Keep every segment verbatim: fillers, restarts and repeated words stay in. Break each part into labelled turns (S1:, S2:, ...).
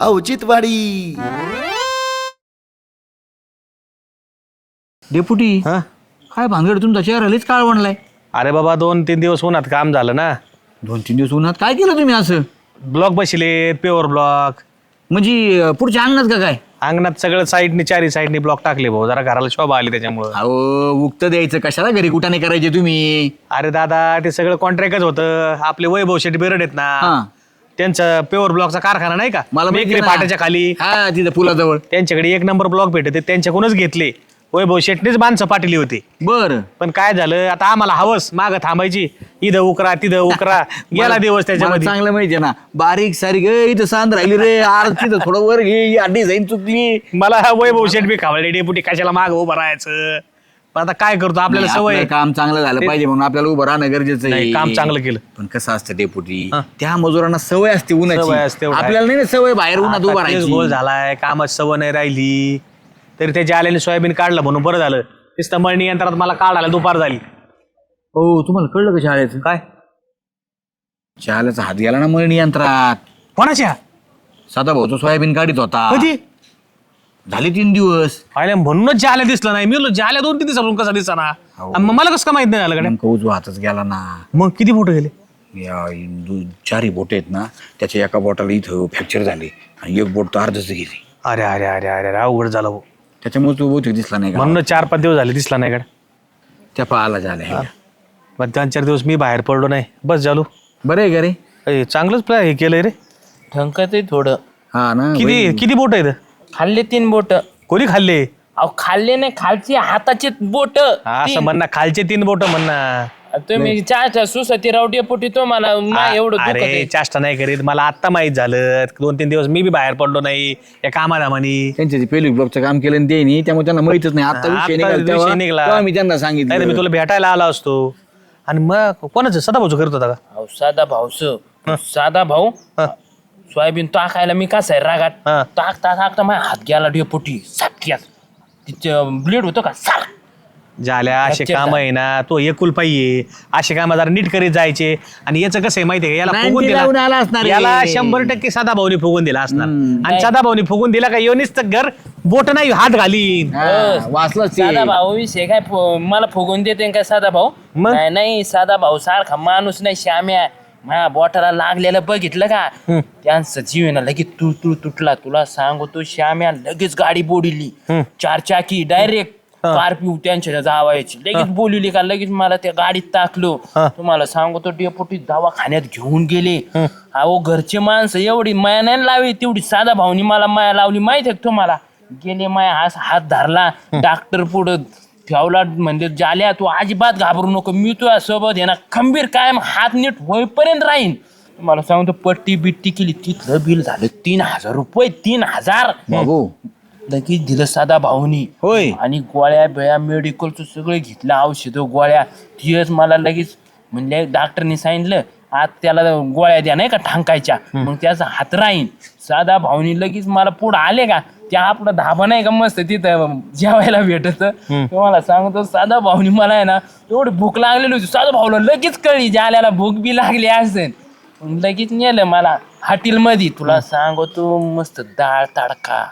S1: औचित्यवाडी.
S2: Deputy
S3: हा
S2: काय भानगड तुमचा चेहरा लयच काळ बनलाय.
S3: अरे बाबा दोन तीन दिवस उन्हात काम झालं ना.
S2: दोन तीन दिवस उन्हात काय केलं तुम्ही असं?
S3: ब्लॉक बसले प्युअर ब्लॉक.
S2: म्हणजे अं, पुढच्या अंगणात का काय?
S3: अंगणात सगळं साईडनी चारी साईडनी ब्लॉक टाकले भाऊ, जरा घराला शोभा आली त्याच्यामुळं.
S2: अहो उक्त द्यायचं कशाला, घरी कुठाने करायचे तुम्ही?
S3: अरे दादा ते सगळं कॉन्ट्रॅक्टच होतं. आपले वैभव शेट्टी बेरड आहेत
S2: हा.
S3: ना, त्यांचा प्युअर ब्लॉकचा कारखाना नाही का
S2: मला माहिती
S3: मेकरी
S2: आहे ना.
S3: फाट्याच्या खाली,
S2: हा तिथं पुलाजवळ.
S3: त्यांच्याकडे एक नंबर ब्लॉक भेटते, त्यांच्याकडूनच घेतले. वैभव शेट्टीच माणसं पाठवली होती.
S2: बर
S3: पण काय झालं आता आम्हाला हवस मागं थांबायची, इथं उकरा तिथं उकरा गेला दिवस त्याच्यामध्ये.
S2: चांगलं माहितीये ना, बारीक सारीक ए, इथं सांद राहिली रे, आरती थोडं वर घे, आधी जाईन चुकली.
S3: मला वैभव शेट बी खावले डेपुटी कशाला माग उभं राहायचं. पण आता काय करतो, आपल्याला
S2: नाही,
S3: सवय
S2: आपलं काम चांगलं झालं पाहिजे म्हणून आपल्याला उभं राहणं गरजेचं
S3: नाही,
S2: आहे.
S3: काम चांगलं केलं.
S2: पण कसं असतं डेपुटी,
S3: हा.
S2: त्या मजुरांना सवय असते
S3: सवय
S2: उन्हाची,
S3: असते, एवढं आहे.
S2: आपल्याला नाही ना सवय बाहेर उन्हात उभं
S3: आता तेच
S2: राहायची.
S3: गोल झालाय, कामात सवय नाही राहिली. तरी त्याच्या आल्याने सोयाबीन काढलं म्हणून बरं झालं. नुसतं मळणी यंत्रात मला काढायला दुपार झाली.
S2: हो तुम्हाला कळलं का शाळेचं?
S3: काय
S2: शाळेचा हात गेला ना मळणी यंत्रात.
S3: कोणाच्या
S2: साधा भाऊ तो सोयाबीन काढीत होता.
S3: कधी
S2: झाले तीन दिवस.
S3: आल्या म्हणूनच जाल्या दिसलं नाही. मी म्हणलो जाल्या दोन तीन दिवसापासून कसा दिसला ना.
S2: हो.
S3: आणि मग मला कसं काय माहित नाही झालं गड्या.
S2: नेमकं उजवा हातच गेला ना.
S3: मग किती फोटो गेले?
S2: या दु- चारही बोट आहेत ना, त्याच्या एका बोटाला इथं फ्रॅक्चर झाले आणि एक बोट तर अर्धच गेली.
S3: अरे अरे अरे अरे अरे अवघड झालं भाऊ.
S2: त्याच्यामुळे तो बहुतेक दिसला नाही का?
S3: म्हणून चार पाच दिवस झाले दिसला नाही गड्या.
S2: त्या पाहाला झाल्या.
S3: मग दोन चार दिवस मी बाहेर पडलो नाही. बस झालो.
S2: बरं आहे का रे?
S3: अय, चांगलंच प्लॅ हे केलंय रे.
S4: ठंकत आहे थोडं.
S2: हा ना.
S3: किती किती बोट आहेत?
S4: खाल्ले तीन बोट.
S3: कोणी खाल्ले?
S4: अहो खाल्ले नाही, खालची हाताची बोट.
S3: असं म्हणणं खालचे तीन बोट म्हणणं.
S4: तुम्ही चार सुसती रावटी पोटी तो मला एवढं दुखत
S3: अरे
S4: आहे.
S3: चाष्टा नाही करीत. मला आत्ता माहित झालं. दोन तीन दिवस मी बी बाहेर पडलो नाही या कामाधामानी.
S2: त्यांच्या ते पेलिक ब्लॉकचं काम केलं ते नाही, त्यामुळे त्यांना माहितच नाही. आता
S3: आता
S2: विषय निघाला
S3: विषय
S2: तेव्हा-
S3: निघाला.
S2: तेव्हा मी त्यांना
S3: नाही तर मी
S2: सांगितलं.
S3: तुला भेटायला आला असतो. आणि मग कोणाचं सदाभाऊचं करत होता का?
S4: अहो साधा भाऊस साधा भाऊ
S3: हा.
S4: सोयाबीन टाकायला मी कसा आहे रागात
S3: हा.
S4: टाकता टाकता माझ्या हात गेला डेपोटी सातक्यात. तिचं ब्लेड होतं का साळ.
S3: झाल्या असे
S4: Fracture
S3: काम आहे ना, तो एकुलपाई आहे. असे काम जरा नीट करीत जायचे. आणि याचं कसं आहे माहितीये का, याला
S2: ninety
S3: फुगून
S2: लावून आला
S3: दिला
S2: असणार
S3: याला
S2: आहे.
S3: शंभर टक्के सदा भाऊनी फुगून दिला असणार. आणि
S4: नाही.
S3: सदा भाऊनी फुगून दिला का योनीच तर घर बोट नाही हात घालीन.
S2: हा, वाचलंच ते.
S4: साधा भाऊ विषय काय फु- मला फुगून देते काय साधा भाऊ?
S3: मग?
S4: नाही नाही, साधा भाऊ सारखा माणूस नाही. श्याम्या माझ्या बोटाला लागलेलं बघितलं का? त्यांचं जीव आहे ना लगेच तू तू तुटला. तुला सांगू तो श्याम्या लगेच गाडी बोडिली. चार चाकी डायरेक्ट स्कॉर्पिओ त्यांच्या जावायची लगेच बोलवली का लगेच मला त्या गाडीत टाकलो. तुम्हाला सांगू तो डेपोटी दवाखान्यात घेऊन गेले. अहो घरचे माणसं एवढी माया नाही लावली तेवढी साधा भाऊनी मला माया लावली माहिती आहे का तुम्हाला? गेले माया हात हात धरला डॉक्टर पुढं ठेवला. म्हणजे जाल्या तू अजिबात घाबरू नको, मी तुझ्या सोबत आहे ना खंबीर कायम हात नीट होईपर्यंत राहीन. तुम्हाला सांगतो पट्टी बिट्टी केली. तिथलं बिल झालं तीन हजार रुपये. तीन हजार
S2: बाबू
S4: लगेच दिलं साधा भाऊनी.
S2: होय.
S4: आणि गोळ्या बिळ्या मेडिकलचं सगळं घेतलं, औषधं गोळ्या. तिच मला लगेच म्हणजे डॉक्टरनी सांगितलं आज त्याला गोळ्या द्या नाही का ठांकायच्या, मग त्याचा हात राहीन. साधा भाऊनी लगेच मला पुढं आले का त्या आपलं धाबा नाही का मस्त तिथं जेवायला भेटत. तुम्हाला सांगतो साधा भाऊनी मला आहे ना एवढी भूक लागलेली होती. साधा भाऊला लगेच कळली ज्याला भूक बी लागली असेल. लगेच नेलं मला हॉटेलमध्ये. तुला सांगतो मस्त डाळ तडका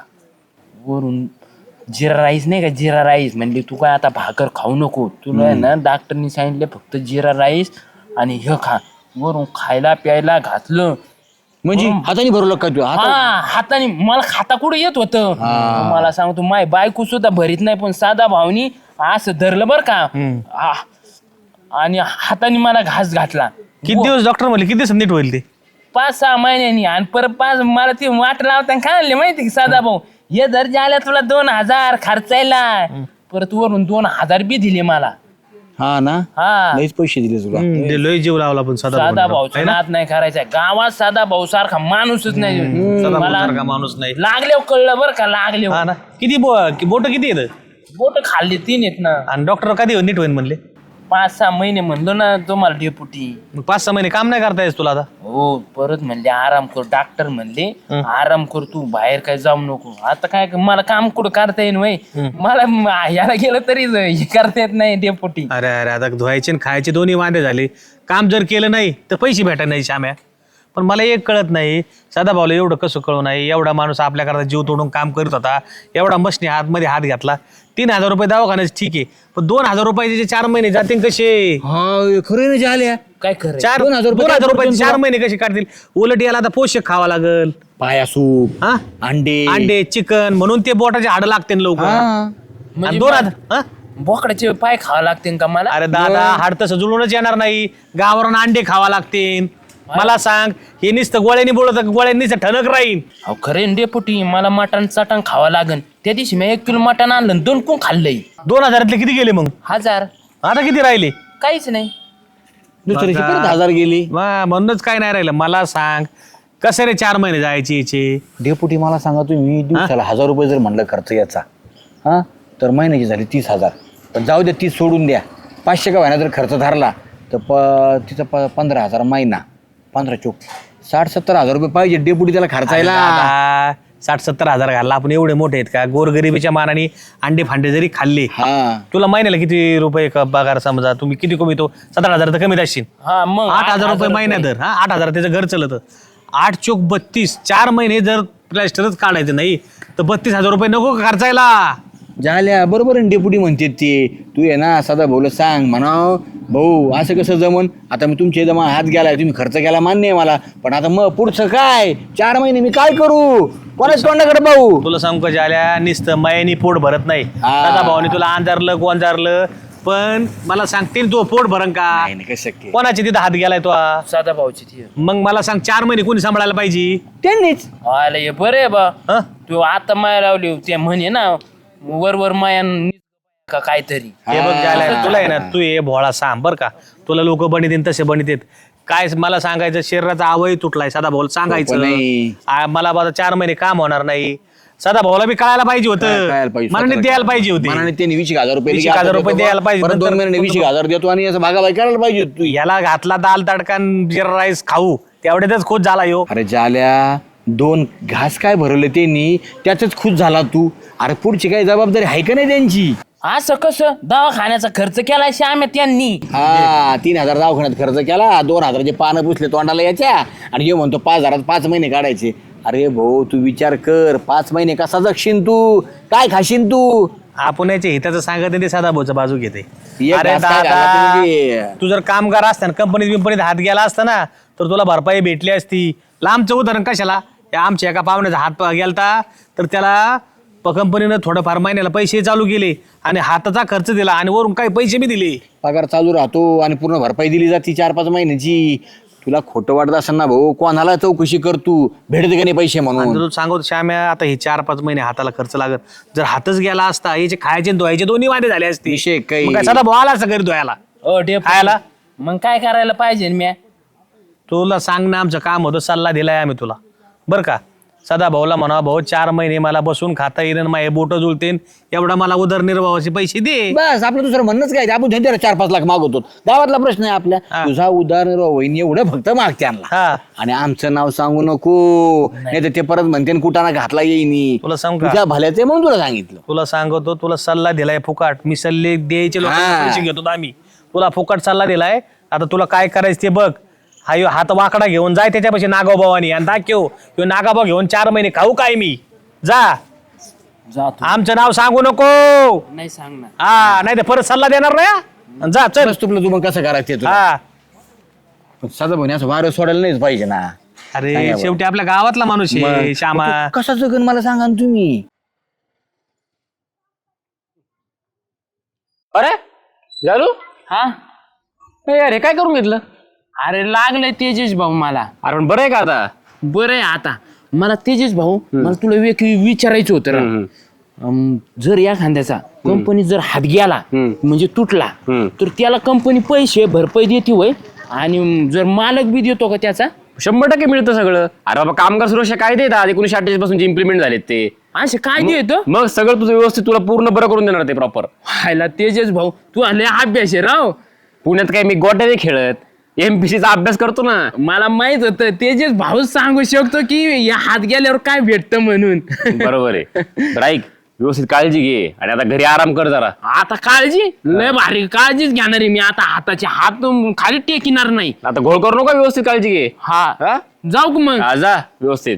S4: वरून जिरा राईस नाही का, जिरा राईस. म्हणजे तू काय आता भाकर खाऊ नको, तुला आहे ना डॉक्टरनी सांगितलं फक्त जिरा राईस आणि हे खा. वरून खायला प्यायला घातलं.
S2: म्हणजे हाताने भरलं का तू? हाता-
S4: हा हाताने मला खाता कुठं येत होतं. मला सांगतो माय बायको सुद्धा भरीत नाही, पण साधा भाऊनी असं धरलं बरं का हा. आणि हाताने मला घास घातला.
S3: किती दिवस डॉक्टर म्हणले किती दिवस नीट होईल ते?
S4: पाच सहा महिन्यांनी. आणि परत पाच मला ते वाट लावताना काय आणले माहिती का साधा भाऊ, हे जर झाल्या तुला दोन हजार खर्चायला. परत वरून दोन हजार बी दिले मला.
S2: हा ना,
S4: हा
S2: लईच पैसे दिले तुला.
S3: ते लय जीव लावला पण सदा
S4: साधा
S3: भाऊनी.
S4: भाऊचा नाद नाही करायचा. गावात साधा भाऊ सारखा माणूसच नाही.
S3: सदा
S4: मला
S3: भाऊसारखा माणूस नाही.
S4: लागले कळलं बरं का लागले.
S3: हा ना. किती बोट किती येत?
S4: बोट खाल्ली तीन आहेत ना.
S3: आणि डॉक्टर कधी नीट होईल म्हणले?
S4: पाच सहा महिने म्हणलो ना तुम्हाला डेपुटी.
S3: मग पाच सहा महिने काम नाही करता येत तुला आता?
S4: हो परत म्हणले आराम कर. डॉक्टर म्हणले आराम कर तू, बाहेर काय जाऊ नको. आता काय मला काम कुठं करता येईन वय. मला म- याला गेलं तरी हे करता येत नाही डेपुटी.
S3: अरे अरे आता धुवायचे आणि खायचे दोन्ही वांदे झाले. काम जर केलं नाही तर पैसे भेटायला नाही श्याम्या. पण मला एक कळत नाही सदाभाऊला एवढं कसं कळू नाही. एवढा माणूस आपल्याकरता जीव तोडून काम करत होता, एवढा मशनी हातमध्ये हात घातला. तीन हजार रुपये दवाखान्यात ठीक आहे, पण दोन हजार रुपयाचे जे चार महिने जातील कसे?
S2: हा खरं ना झाल्या
S4: काय खरं
S3: चार
S2: दोन हजार रुपये
S3: दोन हजार
S2: काय
S3: रुपये
S2: पडतील
S3: चार
S2: तुला?
S3: महिने कसे काढतील? उलट याला आता पोषक खावा लागल,
S2: पाया सूप
S3: हा
S2: अंडे
S3: अंडे चिकन, म्हणून ते बोटाचे हाड लागते लवकर.
S2: हा.
S3: आणि
S4: म्हणजे
S3: दोन हजार हा?
S4: बोकडाचे पाय खावा लागतील का मला?
S3: अरे दादा हाड तसं जुळूनच येणार नाही, गावावरून अंडे खावा लागतील. मला सांग, हे नुसतं गोळ्यांनी बोलत गोळ्यांनी ठणक राहील.
S4: अहो खरे डेपुटी, मला मटण चटण खावं लागन. त्या दिवशी मी एक किलो मटण आणलं आणि दोन कोण खाल्लंय.
S3: दोन हजारातले किती गेले मग?
S4: हजार
S3: आता किती राहिले?
S4: काहीच नाही.
S2: दुसऱ्याची परत हजार गेली.
S3: वा, म्हणूनच काय नाही राहिलं. मला सांग कसे रे चार महिने जायचे याचे?
S2: डेपुटी मला सांगा तुम्ही दिवसाला हजार रुपये जर म्हणलं खर्च याचा हा तर महिन्याची झाली तीस हजार. पण जाऊ द्या, तीस सोडून द्या. पाचशे का व्हायना जर खर्च धरला तर प तिचा प पंधरा हजार महिना, पंधरा चोक साठ सत्तर हजार रुपये पाहिजे डेपुटी त्याला खर्चायला.
S3: दादा, साठ सत्तर हजार घालला आपण, एवढे मोठे आहेत का? गोरगरिबीच्या मानाने अंडे फांडे जरी खाल्ले,
S2: हा
S3: तुला महिन्याला किती रुपये क- पगार? समजा तुम्ही किती कमीतो? सतरा हजार तर कमीत असशील.
S4: हा मग
S3: आठ हजार रुपये महिन्या दर, हा आठ हजार त्याचं घर चलत. आठ चोक बत्तीस, चार महिने जर प्लॅस्टरच काढायचं नाही तर बत्तीस हजार रुपये नको का खर्चायला?
S2: झाल्या बरोबर आहे डेपुटी म्हणते ते. तू आहे ना सदा भाऊला सांग म्हणाव, भाऊ असं कसं जमन? आता मी तुमच्या जमा हात गेलाय, तुम्ही खर्च केला मान्य आहे मला, पण आता मग पुढचं काय? चार महिने मी काय करू? कोणाच तोंडाकडे भाऊ?
S3: तुला सांगू का झाल्या, नुसतं मायानी पोट भरत नाही.
S2: हा.
S3: दादा भावाने तुला अंधारलं गोंजारलं, पण मला सांगतील तो पोट भरण का?
S2: नाही नाही, कसं शक्य?
S3: कोणाची तिथं हात गेलाय तो?
S4: साधा भाऊची ती.
S3: मग मला सांग, चार महिने कोणी सांभाळायला पाहिजे?
S2: त्यांनीच.
S4: आलं हे बरं आहे बा.
S3: हं?
S4: तू आता माया लावली ते म्हणे ना, वर वर माया का काहीतरी.
S3: हे बघ झाल्या, तुला आहे ना, तू ये भोळा सांग बर का. तुला लोक बनित तसे बनित काय मला सांगायचं? शरीराचा आवय तुटलाय सदा भाऊ सांगायचं
S2: नाही.
S3: आ, मला बाबा चार महिने काम होणार नाही. सदा भाऊला बी कळायला पाहिजे
S2: काय कळायला
S3: होतं,
S2: पाहिजे?
S3: मनाने द्यायला पाहिजे
S2: मनाने
S3: होते.
S2: त्यांनी वीस एक हजार रुपये
S3: वीस
S2: दिले,
S3: एक हजार
S2: आता
S3: रुपये
S2: देतो
S3: द्यायला
S2: बा.
S3: पाहिजे.
S2: परत दोन
S3: नंतर
S2: महिने वीस एक हजार देतो आणि असं भागाभागी करायला पाहिजे तू.
S3: याला घातला दाल तडकान जिरा राईस खाऊ, तेवढ्यातच खुश झाला यो.
S2: अरे जाल्या, दोन घास काय भरवले त्यांनी, त्यातच खुश झाला तू. अरे पुढची काही जबाबदारी आहे का नाही त्यांची?
S4: असं कसं? दवाखान्याचा खर्च केलाय श्याम्या त्यांनी.
S2: हा तीन हजार दवाखान्यात खर्च केला, दोन हजाराचे पानं पुसले तोंडाला याच्या, आणि ये म्हणतो पाच हजारात पाच महिने काढायचे. अरे भाऊ तू विचार कर, पाच महिने कसा जगशील तू? काय खाशील तू?
S3: आपण याच्या हिताचं सांगत नाही, ते सदा भाऊचं बाजू घेते.
S2: एक
S3: अरे
S2: घास काय घाला
S3: दादा,
S2: तुम्ही?
S3: तू जर कामगार असता ना, कंपनीत बिंपनीत हात गेला असता ना, तर तुला भरपाई भेटली असती. लांबचं उदाहरण कशाला? या आमच्या एका पाहुण्याचा हात गेलता, तर त्याला प- कंपनीनं थोडंफार महिन्याला पैसे चालू केले आणि हाताचा खर्च दिला आणि वरून काही पैसे बी दिले.
S2: पगार चालू राहतो आणि पूर्ण भरपाई दिली जाते चार पाच महिन्याची. तुला खोटं वाटत असेल ना भाऊ, कोणाला चौकशी कर तू, भेटते का नाही पैसे
S3: आणि
S2: म्हणून?
S3: तू सांगतो श्याम्या, आता हे चार पाच महिने हाताला खर्च लागत, जर हातच गेला असता, याचे खायचे आणि धुवायचे दोन्ही वादे झाले असते.
S2: विषय काही-
S3: मग काय सदा भाऊ आला असता घरी धुवायला?
S4: ओ डेपुटी,
S3: खायला?
S4: मग काय करायला पाहिजे म्या?
S3: तुला सांग ना, आमचं काम होतं, सल्ला दिलाय आम्ही तुला बरं का. सदा भाऊला म्हणा, भाऊ चार महिने मला बसून खाता येईल, माझे बोट जुळतेन, एवढा मला उदरनिर्वाहाचे पैसे दे.
S2: बस आपलं दुसरं म्हणणंच काय, आपण त्यांच्यावर चार पाच लाख मागवतो, गावातला प्रश्न आहे आपल्या.
S3: हा.
S2: तुझा उदाहरण वहिनी एवढं फक्त मागते आणला,
S3: हा,
S2: आणि आमचं नाव सांगू नको, नाही तर ते परत म्हणते न कुठाना घातला येईनी.
S3: तुला सांगू का,
S2: तुझ्या भल्याचे म्हणून तुला सांगितलं.
S3: तुला सांगतो, तुला सल्ला दिलाय फुकाट. मी सल्ले द्यायचे लोकांना
S2: हा.
S3: पैसे घेतो आम्ही, तुला फुकाट सल्ला दिलाय. आता तुला काय करायचं ते बघ. हा ह्यो हात वाकडा घेऊन जाय त्याच्यापाशी नागाभावानी आणि दाखव, ह्यो नागाभाव घेऊन चार महिने खाऊ काय मी? जा,
S4: जातो.
S3: आमचं नाव सांगू नको.
S4: नाही सांगणार.
S3: हा, नाही तर परत सल्ला देणार नाही हा. जा चल.
S2: बस तुला तू मग कसं करायचं ते तुला.
S3: हा,
S2: साधा भाऊ असं वारं सोडायला नाहीच पाहिजे ना.
S3: अरे
S2: सांगा बरं.
S3: शेवटी आपल्या गावातला माणूस आहे
S2: मग
S3: श्यामा.
S2: तू कसा जगन मला सांगा ना तुम्ही.
S1: अरे झालू
S4: हा,
S1: अरे काय करून घेतलं?
S4: अरे लागलंय तेजस भाऊ मला.
S1: अरे पण बरं आहे का आता?
S4: बरं आहे आता. मला तेजस भाऊ, मला तुला एक विचारायचं होतं रा. अम, जर या खांद्याचा कंपनी जर हात गेला म्हणजे तुटला, तर त्याला कंपनी पैसे भरपाई देते होय? आणि जर मालक बी देतो का त्याचा?
S1: शंभर टक्के मिळतं सगळं. अरे बाबा, कामगार सुरक्षा कायदे येतात एकोणीशे अठ्ठेचाळीस पासून इम्प्लिमेंट झालेत ते.
S4: असे काय देतो?
S1: मग सगळं तुझं व्यवस्थित तुला पूर्ण बरं करून देणार ते प्रॉपर.
S4: व्हायला तेजस भाऊ, तू आले अभ्यास आहे राव.
S1: पुण्यात काय मी गोट्याने खेळत एमपीसीचा अभ्यास करतो ना.
S4: मला माहित होतं तेजस भाऊ सांगू शकतो की या हात गेल्यावर काय भेटतं म्हणून.
S1: बरोबर आहे. तर ऐक, व्यवस्थित काळजी घे आणि आता घरी आराम कर जरा.
S4: आता काळजी लय भारी काळजीच घेणार आहे मी. आता हाताचे हात खाली टेकिणार नाही.
S1: आता घोळ करू नका, व्यवस्थित काळजी घे.
S4: हा
S1: हा?
S4: जाऊ का मग?
S1: हा, जा व्यवस्थित.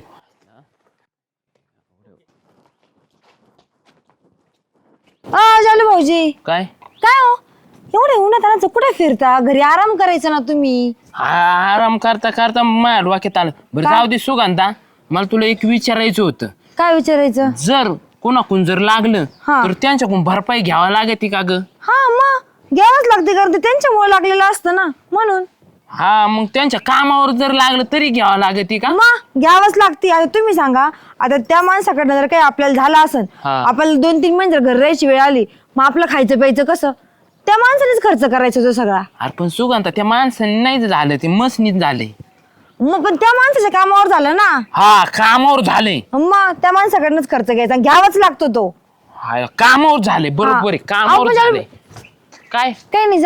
S5: झालं भाऊजी.
S4: काय
S5: काय हो एवढे उन्हात कुठे फिरता? घरी आराम करायचा ना तुम्ही.
S4: हा, आराम करता करता माझ्या डोक्यात आलं. बरं
S5: काय?
S4: जाऊ दे सुगंधा, मला तुला एक विचारायचं होतं.
S5: काय विचारायचं?
S4: जर कोणाकडून जर लागलं
S5: हा.
S4: तर त्यांच्याकडून भरपाई घ्यावा लागते का ग?
S5: हा मग घ्यावंच लागते कारण ते त्यांच्यामुळे लागलेलं असतं ना म्हणून.
S4: हा, मग त्यांच्या कामावर जर लागलं तरी घ्यावं लागते का?
S5: मग घ्यावंच लागते. आता तुम्ही सांगा, आता त्या माणसाकडनं जर काही आपल्याला झालं असेल,
S4: हा.
S5: आपल्याला दोन तीन महिने जर घर राहायची वेळ आली, मग आपलं खायचं प्यायचं कसं? त्या माणसानेच खर्च करायचा तो सगळा.
S4: अरे पण सुगंधा, त्या माणसाने नाही झालं, ते मसनीत झाले.
S5: मग पण त्या माणसाच्या कामावर झालं ना.
S4: हा, कामावर झाले.
S5: मग त्या माणसाकडनंच खर्च घ्यायचा, घ्यावाच लागतो तो.
S4: हा, कामावर झाले, बरोबर आहे,
S5: हा.
S4: कामावर
S5: अहो, म्हणजे-
S4: झाले. काय
S5: काही नाही, जा.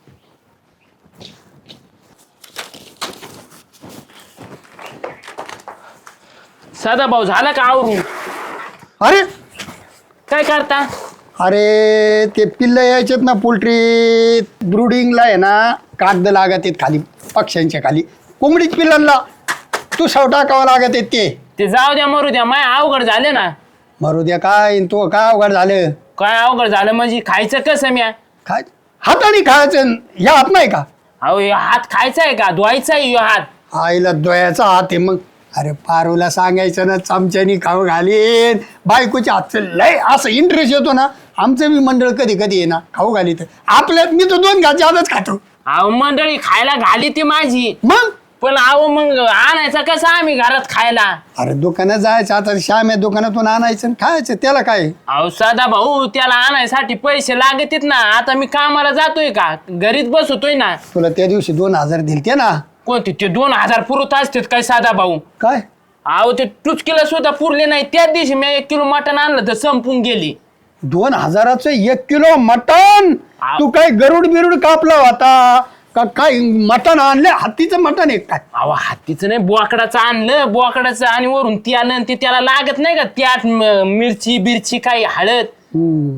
S4: सदा भाऊ, झाला का आवरून?
S6: अरे
S4: काय करता?
S6: अरे ते पिल्ल यायचेत ना पोल्ट्री ब्रुडिंगला आहे ना, कागद लागत आहेत खाली पक्ष्यांच्या खाली, कोंबडीच पिल्लांना तू सव टाकावं लागत आहेत ते.
S4: ते जाऊ द्या, मरू द्या, माय अवघड झाले ना.
S6: मरू द्या काय तो काय अवघड झालं.
S4: काय अवघड झालं म्हणजे? खायचं कसं म्या?
S6: काय हाताने खायचं या हात नाही का?
S4: अहो, हे हात खायचा आहे का? धुवायचा आहे ह्यो हात.
S6: आईला दोयाचा हात आहे मग. अरे पारूला सांगायचं ना चमच्यानी खाऊ घालीन, बायकोच्या हातचं लय असं इंटरेस्ट येतो ना. आमचं बी मंडळ कधी कधी आहे ना खाऊ घाली तर आपल्यात मी तो दोन घाचे आजच खातो.
S4: अहो, मंडळी खायला घाली ती माझी,
S6: मग
S4: पण अहो मग आणायचा कसा आम्ही घरात खायला?
S6: अरे दुकानात जायचं आता श्याम दुकानातून आणायचं आणि खायचं त्याला काय.
S4: अहो सदा भाऊ, त्याला आणायसाठी पैसे लागतात ना. आता मी कामाला जातोय का? घरीच बसतोय ना.
S6: तुला त्या दिवशी दोन हजार दिलते ना.
S4: कोणते ते दोन हजार पुरत असतात काय साधा भाऊ?
S6: काय
S4: अहो, ते टुचकीला सुद्धा पुरले नाही. त्याच दिवशी मी एक किलो मटण आणलं तर संपून गेली.
S6: दोन हजाराचं एक किलो मटण?
S4: आव.
S6: तू काय गरुड बिरुड कापला होता का काय? मटण आणले हत्तीचं मटण आहे काय?
S4: अहो, हत्तीचं नाही, बोकडाचं आणलं. बोकडाचं आणि वरून ते आलं आणि ते त्याला लागत नाही का त्यात म- मिरची बिरची काही हळद.
S6: हम्म.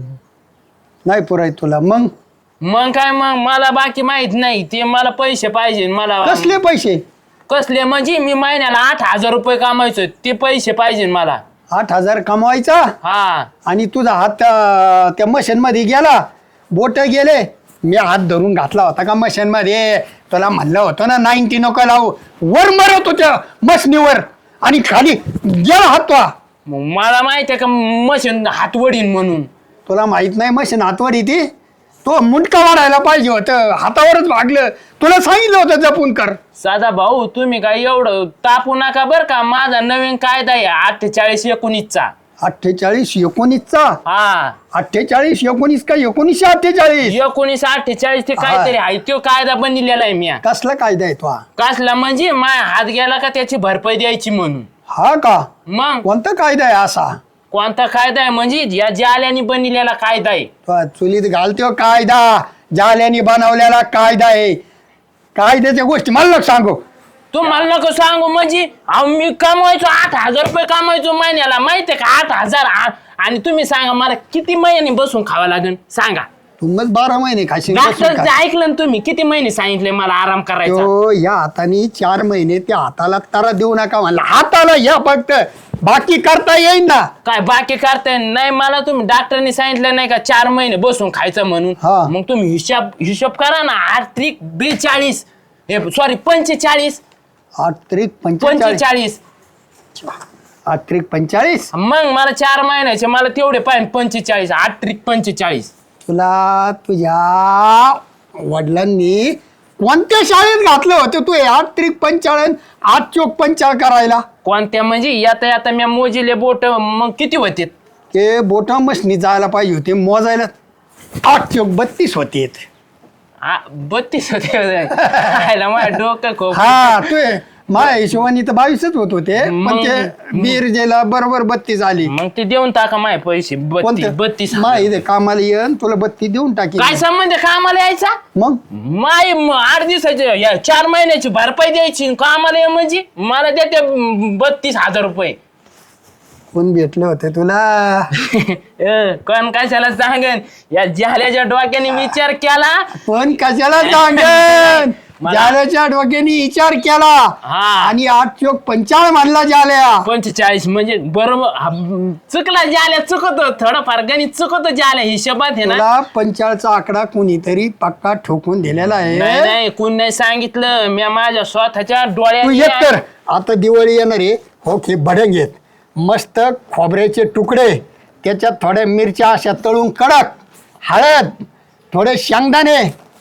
S6: नाही पुराय तुला मग
S4: मग काय, मग मला बाकी माहित नाही. ते मला पैसे पाहिजे. मला
S6: कसले पैसे?
S4: कसले म्हणजे? मी महिन्याला आठ हजार रुपये कमायचो, ते पैसे पाहिजे मला.
S6: आठ हजार कमवायचा
S4: हा,
S6: आणि तुझा हात त्या- त्या मशीन मध्ये गेला, बोट गेले. मी हात धरून घातला होता का मशीन मध्ये? तुला म्हणलं होतं ना नाईन्टी नको लावू. वर मरत होत्या मशनीवर आणि खाली गेला हात तो.
S4: मग मला माहित आहे का मशीन हात वडीन म्हणून?
S6: तुला माहित नाही मशीन हातवर येते? तो मुंडका वाढायला पाहिजे होतं, हातावरच भागलं. तुला सांगितलं होतं जपून कर.
S4: साधा भाऊ, तुम्ही काय एवढं तापू नका बर का. माझा नवीन कायदा आहे अठ्ठेचाळीस एकोणीसचा.
S6: अठ्ठेचाळीस एकोणीसचा?
S4: हा,
S6: अठ्ठेचाळीस एकोणीस का एकोणीसशे अठ्ठेचाळीस?
S4: एकोणीस अठ्ठेचाळीस ते काहीतरी आहे. तो कायदा बनलेला आहे मी.
S6: कसला कायदा आहे तो हा?
S4: कसला म्हणजे? माया हात गेला का त्याची भरपाई द्यायची म्हणून.
S6: हा का?
S4: मग
S6: कोणता कायदा आहे असा?
S4: कोणता कायदा आहे म्हणजे? या जाल्याने बनलेला कायदा आहे.
S6: तो चुलीत घालतो कायदा, जाल्याने बनवलेला कायदा आहे. कायद्याच्या गोष्टी मला नको सांगू.
S4: तू मला नको सांगू म्हणजे? अहो, मी कमवायचो आठ हजार रुपये कमवायचो महिन्याला, माहितीये का? आठ हजार आ- आणि तुम्ही सांगा मला किती महिन्याने बसून खावा लागेल सांगा.
S6: तू मग बारा महिने खाशील बसून
S4: डॉक्टरचं
S6: खा.
S4: ऐकलं ना तुम्ही? किती महिने सांगितले मला आराम करायचा?
S6: तो या हाताने चार महिने त्या हाताला तारा देऊ नका म्हणला. हाताला या फक्त, बाकी करता येईन ना.
S4: काय बाकी करताय? नाही, मला तुम्ही डॉक्टरने सांगितलं नाही का चार महिने बसून खायचं म्हणून?
S6: हा.
S4: मग तुम्ही हिशोब हिशोब करा ना. आर्थिक बेचाळीस सॉरी पंचेचाळीस
S6: आठ त्रिक पंचेचाळीस.
S4: पंचेचाळीस
S6: आठ त्रिक पंचेचाळीस.
S4: मग मला चार महिन्याचे मला तेवढे पाहिजे पंचेचाळीस. आठ त्रिक पंचेचाळीस.
S6: तुला तुझ्या वडिलांनी कोणत्या शाळेत घातलं होतं तू? आठ त्रिक पंचाळीस आठ चोक पंचाळ करायला?
S4: कोणत्या म्हणजे? याता याता मी मोजिले बोट मग किती होते?
S6: ते बोटा मशनी जायला पाहिजे होते मोजायला. आठ चोक बत्तीस होते.
S4: आ, बत्तीस होते. खायला माझं डोकं खूप.
S6: हा तू माझ्या हिशोबाने तर बावीसच होत होते, पण
S4: मग-
S6: ते बीरजेला बरोबर बत्तीस आली.
S4: मग ते देऊन टाका माझे पैसे. बत्तीस
S6: कोणते?
S4: बत्तीस
S6: मा इथे कामाला येऊन तुला बत्तीस देऊन टाकी.
S4: काय संबंध कामाला यायचा?
S6: मग
S4: माय म- आठ दिवसाचे या चार महिन्याची भरपाई द्यायची कामाला ये म्हणजे? मला देते बत्तीस हजार रुपये.
S6: कोण भेटले होते तुला?
S4: अ, कोण कशाला सांगन? या जाल्याच्या डोक्याने विचार केला.
S6: पण कशाला सांगेन?
S4: मला
S6: जाल्याच्या डोक्याने विचार केला
S4: हा.
S6: आणि आठ चोक पंचाळ मानला जाल्या.
S4: पंचेचाळीस म्हणजे बरोबर हा, चुकला जाल्या चुकत थोडंफार गणित चुकत जाल्या हिशोबात आहे ना.
S6: तुला पंचाळचा आकडा कुणीतरी पक्का ठोकून दिलेला
S4: नाही
S6: आहे.
S4: नाही कोण नाही सांगितलं मी माझ्या स्वतःच्या
S6: तू
S4: डोळ्याने
S6: एक तर आता दिवाळी येणार आहे हो की भडंग येत मस्त खोबऱ्याचे तुकडे त्याच्यात थोड्या मिरच्या अशा तळून कडक हळद थोडे शेंगदाणे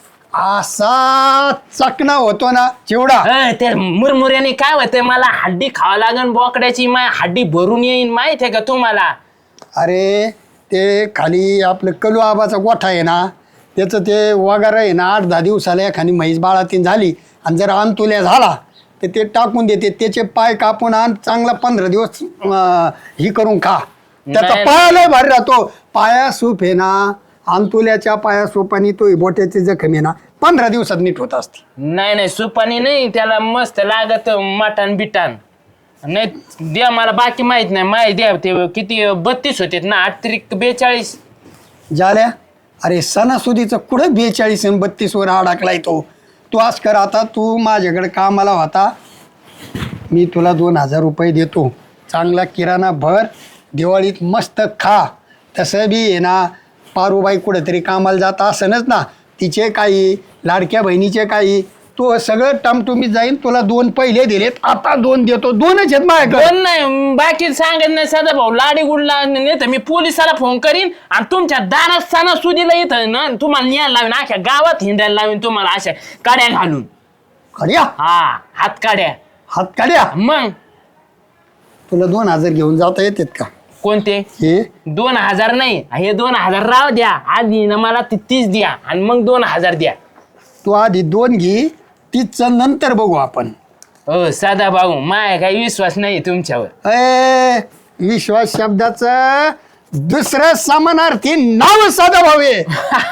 S6: असा चकना होतो ना चिवडा.
S4: अं, ते मुरमुऱ्याने काय होतंय मला हड्डी खावा लागन बोकड्याची माय हड्डी भरून येईन माहित आहे का तुम्हाला.
S6: अरे ते खाली आपलं कलू आबाचा गोठा आहे ना त्याचं ते वगैरे आहे ना आठ दहा दिवसाला एखादी म्हैस बाळातीन झाली आणि जर अंतुल्या झाला तर ते टाकून देते त्याचे पाय कापून आण चांगला पंधरा दिवस अं, ही करून खा त्याचा
S4: नाही.
S6: पायाला भारी राहतो. पाया सूप आहे ना अंतुल्याच्या पाया सूपानी तो बोट्याची जखम आहे ना पंधरा दिवसात नीट होत असते.
S4: नाही नाही सुपानी नाही त्याला मस्त लागत मटण बिटान नाही द्या मला बाकी माहित नाही माहिती द्या ते किती बत्तीस होते ना आठ त्रिक बेचाळीस.
S6: झाल्या अरे सणासुदीचं कुठं बेचाळीस आणि बत्तीस वर अडकलाय तो. तू आज कर आता तू माझ्याकडे कामाला होता मी तुला दोन हजार रुपये देतो चांगला किराणा भर दिवाळीत मस्त खा. तसं बी आहे ना पारूबाई कुठेतरी कामाला जात असनच ना तिचे काही लाडक्या बहिणीचे काही तो सगळं टमटुमीत जाईन. तुला दोन पहिले दिलेत आता दोन देतो दोनच आहेत माझ्याकडे.
S4: दोन नाही बाकी सांगत नाही साधा भाऊ लाडी गुडला नाही तर मी पोलिसाला फोन करीन आणि तुमच्या दारात सणासुदीला येतं ना तुम्हाला न्यायला लावीन अख्या गावात हिंडायला लावीन तुम्हाला अशा काड्या घालून.
S6: खऱ्या
S4: हा हात काड्या
S6: हात काढ्या
S4: मग
S6: तुला दोन हजार घेऊन जाता येतात का
S4: कोणते
S6: हे
S4: दोन हजार नाही हे दोन हजार राव द्या आधी ना मला ती तीस द्या आणि मग दोन हजार द्या.
S6: तू आधी दोन घे तीसचं नंतर बघू आपण.
S4: हो साधा भाऊ माय काही विश्वास नाही तुमच्यावर.
S6: अय विश्वास शब्दाचं दुसरं समानार्थी नाव साधा भावे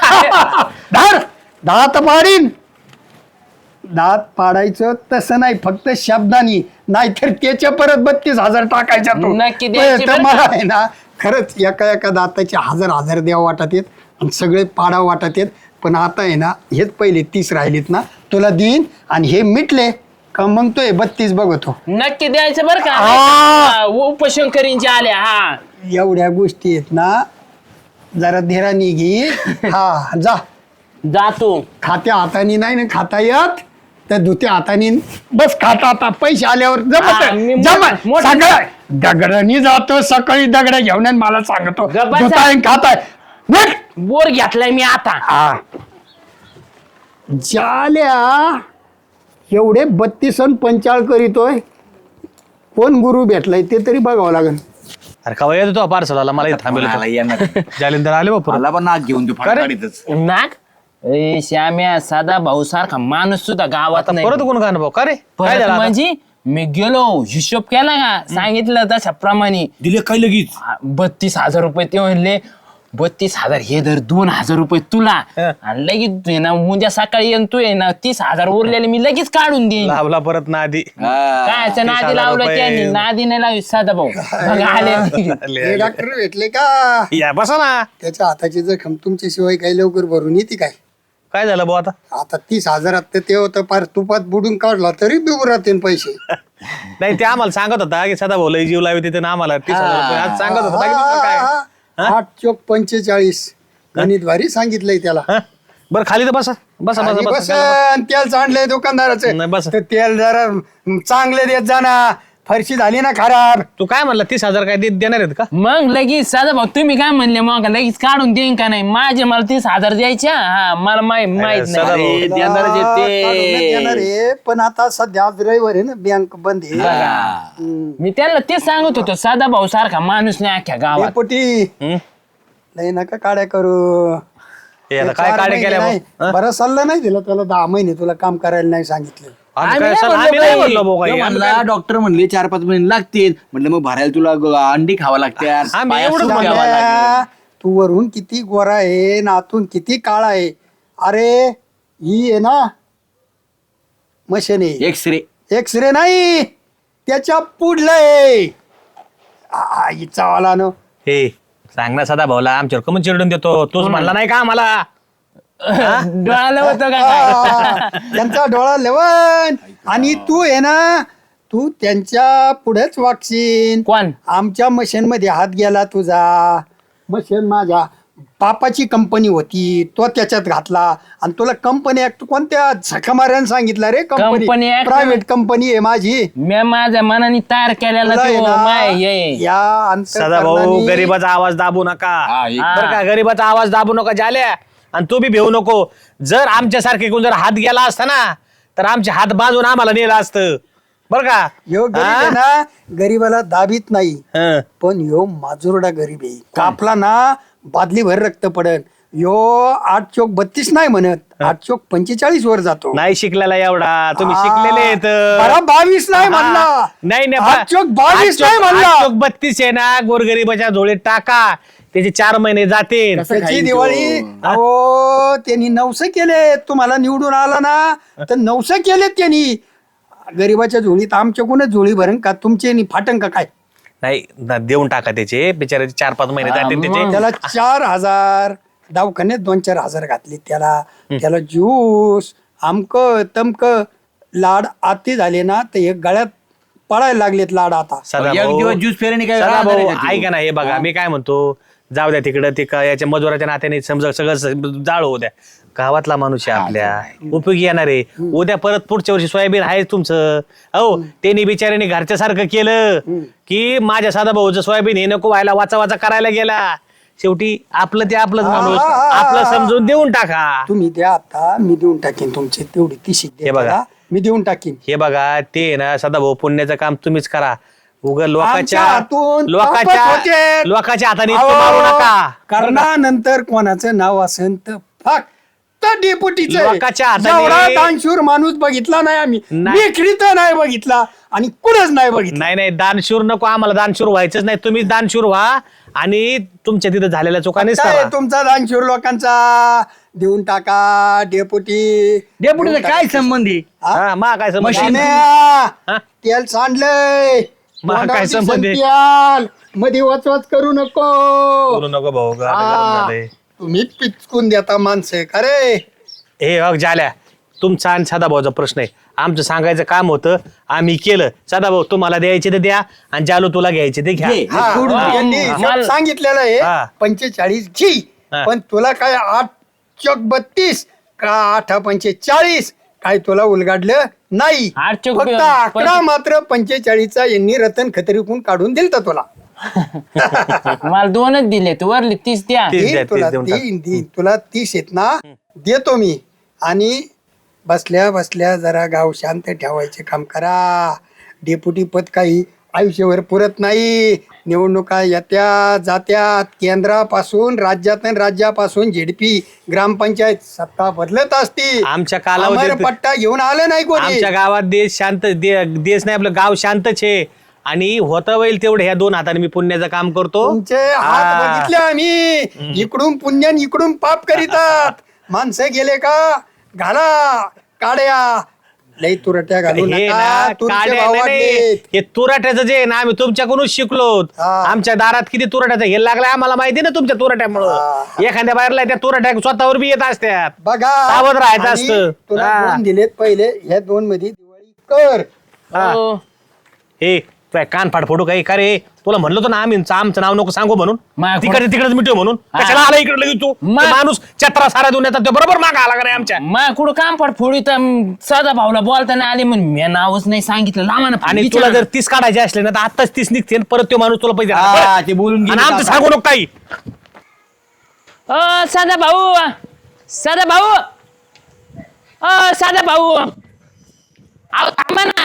S6: धार दात पाडीन. दात पाडायचं तसं नाही फक्त शब्दानी नाहीतर त्याच्या परत बत्तीस हजार टाकायच्या तो.
S4: नक्की द्यायची
S6: तर
S4: बरं
S6: मला
S4: का?
S6: आहे ना खरंच एका एका दाताचे हजार हजार द्यावं वाटत येत आणि सगळे पाडा वाटत येत. पण आता आहे ना हेच पहिले तीस राहिलेत ना तुला देईन आणि हे मिटले का मग तो हे बत्तीस बघतो.
S4: नक्की द्यायचं बरं का
S6: आ.
S4: उपशंकरींच्या आल्या हा
S6: एवढ्या गोष्टी आहेत ना जरा धीराने घे. हा जा
S4: जातो.
S6: खात्या हाताने नाही ना खाता येत तर धुत्या हाताने बस खाता आता पैसे आल्यावर
S4: हा, मी
S6: जमत
S4: मोठं-
S6: जमत
S4: मोठं-
S6: सगळं दगडानी जातो सकाळी दगड घेऊन आणि मला सांगतो
S4: गप्पा
S6: धुताय खाताय निघ.
S4: बोर घेतलाय मी आता.
S6: हा जाल्या एवढे बत्तीस अन पंचाळ करीतोय कोण गुरु भेटलाय ते तरी बघावं लागेल.
S3: अरे का येतो तो पार्सल आला मला इथं
S2: मला
S3: थांबेल
S2: येणार
S3: जालिंदर आले बापू
S2: मला पण नाक घेऊन तू फाडीतच.
S4: नाग ए श्याम्या साधा भाऊ सारखा माणूस सुद्धा गावात नाही.
S3: परत कोण गाणं भाऊ का रे काय
S4: परत
S3: झालं आता?
S4: म्हणजे मी गेलो हिशोब केला का सांगितलं तशा प्रमाणे
S2: दिले काय लगेच
S4: बत्तीस हजार रुपये ते म्हणले बत्तीस हजार हे धर दोन हजार रुपये तुला
S3: हं.
S4: आणि लगेच तू आहे ना उद्या सकाळी येऊन तू आहे ना तीस हजार उरलेले मी लगेच काढून देईन.
S3: लाभला परत ना आधी
S4: काय
S3: तीस
S4: नादी
S3: हजार
S4: लावलं
S3: रुपये.
S4: त्यांनी नादी नाही लावी साधा भाऊ मग आले
S6: हे डॉक्टर भेटले का
S3: या बसा ना
S6: त्याच्या हाताची जखम तुमच्याशिवाय काही लवकर भरून येते काय.
S3: काय झालं भाऊ आता
S6: आता तीस हजारात तर ते होतं पार तुपात बुडून काढला तरी बिगू राहते पैसे.
S3: नाही ते आम्हाला सांगत होता की सदा भाऊ लय जीव लावी तिथे ना आम्हाला तीस हजार रुपये आज सांगत होता बाकी दुसरं काय
S6: आठ चोक पंचेचाळीस गणित भारी सांगितलंय त्याला.
S3: हं? बरं खाली तर बसा बसा
S6: आणि
S3: बसा
S6: बस
S3: बसा
S6: तेल चांडलंय दुकानदाराचं
S3: नाही, बस.
S6: तर तेल जरा चांगले देत जाणार फरशी झाली ना खराब.
S3: तू काय म्हणला तीस हजार काय दे- देणार आहेत का
S4: मग लगेच साधा भाऊ तुम्ही काय म्हणले मग लगेच काढून देईन का नाही माझे मला तीस हजार द्यायच्या हा मला माहित माहित
S3: सदा
S4: नाही.
S3: भाऊ.
S1: अरे, देणारच आहे
S6: काढून देणार
S1: ते.
S6: आहे, पण आता सध्या आज रविवार आहे ना बँक बंद आहे.
S1: बघा.
S4: मी त्यांना तेच सांगत होतो साधा भाऊ सारखा माणूस नाही अख्ख्या गावात.
S6: डेपुटी
S3: हं?
S6: नाही नका काड्या करू.
S3: हे आता
S6: ते
S3: काय
S6: चार
S3: काढे
S6: महिने
S3: केल्या
S6: नाही.
S3: भाऊ? हं?
S6: बरं सल्ला नाही दिला तुला दहा महिने तुला काम करायला नाही सांगितलं.
S3: आम्ही
S4: आम्ही
S3: काय
S4: नाही
S3: सर,
S4: म्हणलो
S3: आम्ही नाही
S4: बाई.
S3: म्हणलो भाऊ
S2: तो
S3: काही. आम्ही
S2: म्हणला डॉक्टर म्हणले चार पाच महिने लागतील म्हटलं मग भरायला तुला ग- अंडी खावा लागतात
S3: आम्ही
S2: पायात
S3: एवढंच
S2: सूप
S3: म्हणलो.
S2: घ्यावं लागेल.
S6: शाम्या, तू वरून किती गोरा आहे नातून किती काळा आहे. अरे ही आहे ना मशीन आहे
S2: एक्सरे
S6: एक्सरे नाही त्याच्या पुढलं आहे. आ, हिचा वाला न
S3: हे सांग ना सदा भाऊला आमच्यावर कमन चिरडून देतो तूच म्हणला नाही का आम्हाला
S4: डोळाला होतं का काय?
S6: हा, त्यांचा डोळा लेवन आणि तू आहे ना तू त्यांच्या पुढेच वागशील.
S4: कोण?
S6: आमच्या मशीन मध्ये हात गेला तुझा. मशीन माझ्या बापाची कंपनी होती तो त्याच्यात घातला आणि तुला कंपनी ऍक्ट कोणत्या झकमाऱ्यानं सांगितलं रे? Company
S4: Company Act?
S6: Private company आहे माझी.
S4: मी माझ्या मनाने तयार केलेला
S6: तुला आहे
S4: तो
S6: ना,
S4: माय हे.
S6: या
S3: सदा भाऊ
S6: अंतःकरणाने-
S3: गरीबाचा आवाज दाबू नका बरं का, गरीबाचा आवाज दाबू नका झाल्या. आणि तू बी भेऊ नको. जर आमच्यासारखे कोण जर हात गेला असता ना तर आमचे हात बांधून आम्हाला नेलं असतं बरं का.
S6: ह्यो गरीब आहे
S3: हा?
S6: ना गरीबाला दाबीत नाही
S3: हं.
S6: पण ह्यो माजुरडा गरीब आहे. कापला ना बादली भर रक्त पडन. ह्यो आठ चोक बत्तीस नाही म्हणत आठ चोक पंचेचाळीस वर जातो.
S3: नाही शिकलेला एवढा तुम्ही
S6: हा.
S3: शिकलेले आहेत.
S6: बरं, बावीस नाही म्हणला.
S3: हा. नाही नाही
S6: आठ चोक बावीस
S3: आठ
S6: नाही
S3: चोक-
S6: म्हणला.
S3: आठ चोक बत्तीस आहे ना गोरगरीबाच्या झोळीत टाका त्याचे चार महिने जाते.
S6: त्याची दिवाळी अहो त्यांनी नवस केले. तुम्हाला निवडून आला ना तर नवस केलेत त्यांनी. गरीबाच्या झोळीत आमच्याकडूनच झोळी भरण का तुमचे नि फाटन का काय?
S3: नाही ना, देऊन टाका त्याचे बिचाराचे चार पाच महिने जाते त्याचे.
S6: त्याला चार हजार दवाखान्यात दोन चार हजार घातले त्याला. त्याला ज्यूस आमक तमक लाड आती झाले ना तर एक गळ्यात पडायला लागलेत लाड आता.
S3: सदा
S2: एक
S3: भाऊ-
S2: दिवस ज्यूस फेरणी काय
S3: सदा
S2: राहणार
S3: भाऊ
S2: आहे का ती?
S3: ऐका ना हे बघा मी काय म्हणतो जाऊ द्या तिकडं ते का याच्या मजुराच्या नात्याने समजा सगळं जाळ होऊ द्या. गावातला माणूस आहे आपल्या उपयोगी येणार आहे. उद्या परत पुढच्या वर्षी सोयाबीन आहे तुमचं. अहो त्यांनी बिचाऱ्याने घरच्या सारखं केलं की माझ्या साधा भाऊचं सोयाबीन हे नको व्हायला वाचा वाचा करायला गेला. शेवटी आपलं ते आपलंच माणूस
S6: हा, हा, हा.
S3: आपलं समजून देऊन टाका.
S6: तुम्ही द्या आता मी देऊन टाकीन तुमची तेवढी तिशी
S3: हे बघा.
S6: मी देऊन टाकीन.
S3: हे बघा ते आहे ना सदा भाऊ पुण्याचं काम तुम्हीच करा. उग
S6: आमच्या
S3: लोकांच्या
S6: हातून तापत
S3: लोकांच्या
S6: होते.
S3: लोकांच्या हाताने इतकं मारू नका.
S6: करणानंतर कोणाचं नाव असेल तर फक्त डेपुटीच
S3: लोकांच्या हाताने-
S6: दानशूर माणूस बघितला नाही आम्ही.
S3: नाही.
S6: विक्रीत नाही बघितला आणि कुठंच नाही बघितलं.
S3: नाही नाही दानशूर नको आम्हाला दानशूर व्हायचंच नाही. तुम्ही दानशूर व्हा आणि तुमच्या तिथं झालेल्या चुकानेच
S6: काय
S3: करा.
S6: तुमचा दानशूर लोकांचा देऊन टाका डेपुटी.
S2: डेपुटीचा काय संबंध आहे?
S3: हा, मा काय समज
S6: शाम्या, तेल सांडलंय
S3: मग काय
S6: तोंडावर
S3: संबंध आहे?
S6: दिसेल तेल. मध्ये वचवच करू नको.
S3: बोलू नको भाऊ गाणं
S6: हा.
S3: गरम झालंय.
S6: तुम्ही पिचकून देता माणसं का रे?
S3: हे बघ झाल्या तुमचा आणि सदाभाऊचा प्रश्न आहे. आमचं सांगायचं काम होतं आम्ही केलं. सदाभाऊ तुम्हाला द्यायचे ते द्या आणि जालू तुला घ्यायचे ते घ्या.
S2: घे.
S6: हा,
S2: सोडून
S6: हा,
S2: दे.
S6: यांनी
S4: मला-
S6: सांगितलेलं
S3: हा.
S6: आहे पंचेचाळीस घी
S3: हा.
S6: पण तुला काय आठ चौक बत्तीस का आठ पंचेचाळीस काय तुला उलगाडलं नाही.
S4: आठ चौक
S6: फक्त
S4: पंचे-
S6: अकरा मात्र पंचेचाळीसचा यांनी रतन खतरीकून काढून दिलता तुला.
S4: मला दोनच दिले तू वरली तीस द्या.
S3: तीस द्या,
S6: देईन तुला
S3: तीस देऊन टाक.
S6: देईन देईन तुला तीस येत ना देतो मी. आणि बसल्या बसल्या जरा गाव शांत ठेवायचे काम करा. डेप्युटी पद काही आयुष्यभर पुरत नाही. निवडणुका येत्या जात्यात. केंद्रापासून राज्यात आणि राज्यापासून झेडपी ग्रामपंचायत सत्ता बदलत असती.
S3: आमच्या कालावधीत-
S6: पट्टा घेऊन आलं नाही कोणी.
S3: आमच्या गावात देश शांत दे- देश नाही आपलं गाव शांतच आहे आणि होतं होईल तेवढं ह्या दोन हाताने मी पुण्याचं काम करतो.
S6: तुमचे हात
S3: हा.
S6: बघितले आम्ही. इकडून पुण्यान इकडून पाप करीतात. माणसं गेले का घाला काड्या लई तुरट्या घालू
S3: हे
S6: नका.
S3: ना
S6: तुमचे
S3: काड्या
S6: भाव
S3: नाही, नाही.
S6: वाढलेत.
S3: हे तुराट्याचं जे आहे ना आम्ही तुमच्याकडूनच शिकलो.
S6: हा.
S3: आमच्या दारात किती तुराट्याचं हे लागलंय आम्हाला माहिती ना तुमच्या तुराट्यामुळं. एखाद्या बाहेरला त्या तुराट्या स्वतःवर बी येत असतात.
S6: बघा
S3: सावध राहायचं
S6: आणि
S3: असतं.
S6: तुला
S3: हा.
S6: दोन दिलेत पहिले ह्या दोन मध्ये दिवाळी कर.
S3: हा.
S4: हो.
S3: हे काय कान फाड फोडू काही का रे तुला म्हणलं होतं ना आम्ही आमचं नाव नको सांगू म्हणून
S4: माग-
S3: तिकडे तिकडेच मिटव म्हणून
S4: हा.
S3: कशाला आला इकडे लगेच तू
S4: मा-
S3: ते माणूस चत्रा सारा देऊन येतात ते बरोबर माग आला का रे आमच्या.
S4: मा कुठं काम पड फोडी तर साधा भाऊला बोलताना आले म्हणून मी नावच नाही सांगितलं लावा ना
S3: आणि
S4: विचारा
S3: तुला
S4: ना.
S3: जर तीस काढायचे असले ना तर आताच तीस निघते आणि परत तो माणूस तुला पैसे देणार.
S2: हा,
S3: बरं?
S2: ते बोलून गेले
S3: आणि आमचं
S2: आता.
S3: सांगू नको काही.
S4: अ साधा भाऊ साधा भाऊ अ साधा भाऊ अहो थांबा ना